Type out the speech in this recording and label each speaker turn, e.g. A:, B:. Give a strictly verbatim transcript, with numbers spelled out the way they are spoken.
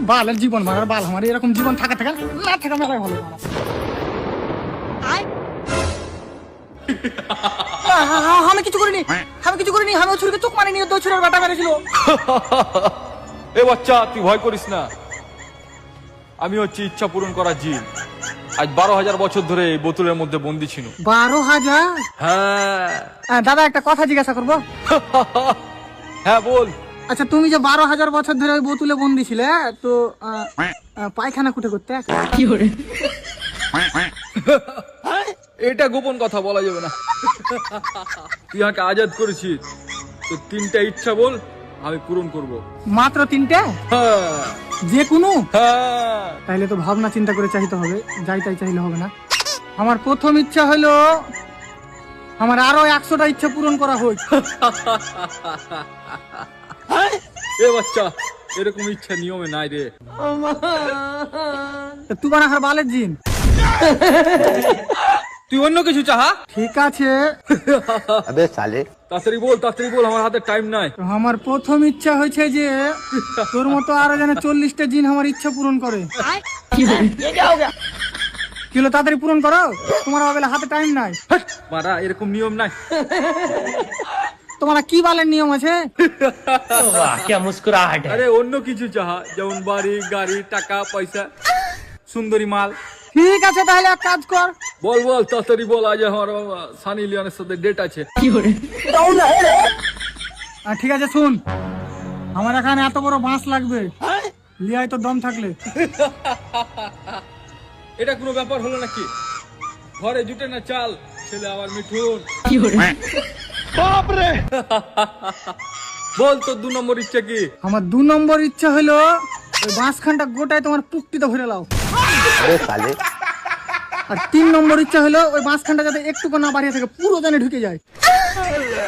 A: বালের জীবন মারার বাল, আমার এরকম জীবন থাকা থাকা না থাকা মেলায় ভালো। আমি কিছু করিনি, আমি কিছু করিনি, আমি ওই ছুরিকে চোখ মারিনি, ওই ছুরির বাটা মেরেছিল।
B: এ বাচ্চা, তুই ভয় করিস না, আমি হচ্ছে ইচ্ছা পূরণ করা জিন। আজ বারো হাজার বছর ধরে এই বোতলের মধ্যে বন্দি ছিল।
A: বারো হাজার?
B: হ্যাঁ।
A: দাদা একটা কথা জিজ্ঞাসা করবো?
B: হ্যাঁ বল।
A: আচ্ছা, তুমি যে বারো হাজার বছর ধরে ওই বোতলে বন্দি ছিলে, তো আহ, আহ, পায়খানা কুটে করতে কি করে?
B: এটা গোপন কথা বলা যাবে না। তুই আমাকে আজাদ করেছিস, তো তিনটা ইচ্ছা বল, আমি পূরণ করব।
A: মাত্র তিনটা?
B: হ্যাঁ।
A: যে কোনো?
B: হ্যাঁ।
A: তাইলে তো ভাবনা চিন্তা করে চাইতে হবে, যাই তাই চাইলে হবে না। আমার প্রথম ইচ্ছা হলো আমার আরো একশোটা ইচ্ছা পূরণ করা হোক।
B: এ বাচ্চা, এরকম ইচ্ছা নিয়মে নাই রে।
A: তুই বানা হার বালের জিন,
B: তুই অন্য কিছু চাহা।
A: ঠিক আছে।
C: अबे साले
B: তাড়াতাড়ি বল, তাড়াতাড়ি বল, আমার হাতে টাইম নাই।
A: তো আমার প্রথম ইচ্ছা হয়েছে যে তোর মতো আরো যেন চল্লিশটা জিন আমার ইচ্ছা পূরণ করে। কি হলো, তাড়াতাড়ি পূরণ করো, তোমার বেলা হাতে টাইম নাই।
B: মারা, এরকম নিয়ম নাই।
A: তোমার কি বালের নিয়ম আছে?
C: क्या मुस्कुराहट है।
B: আরে অন্য কিছু চাহা, যেমন বাড়ি, গাড়ি, টাকা পয়সা, সুন্দরী মাল।
A: ঠিক আছে, তাহলে এক কাজ কর।
B: বল বল, তাড়াতাড়ি বল, আজ আমার বাবা সানি লিওনের সাথে ডেট আছে।
A: আহ, ঠিক আছে, শুন, আমার এখানে এত বড় বাঁশ লাগবে, লিয়াই তো দম থাকলে।
B: এটা কোনো ব্যাপার হলো নাকি? ঘরে জুটে না চাল, ছেলে আমার মিঠুন। বল তোর দু নম্বর ইচ্ছা কি?
A: আমার দু নম্বর ইচ্ছা হলো ওই বাঁশখানটা গোটায় তোমার পুক্তিতে ভরে লাও।
C: अबे साले
A: আর তিন নম্বর ইচ্ছা হলো ওই বাঁশখানটা যাতে একটুকু না বাড়িয়ে থাকে, পুরো জানে ঢুকে যায়।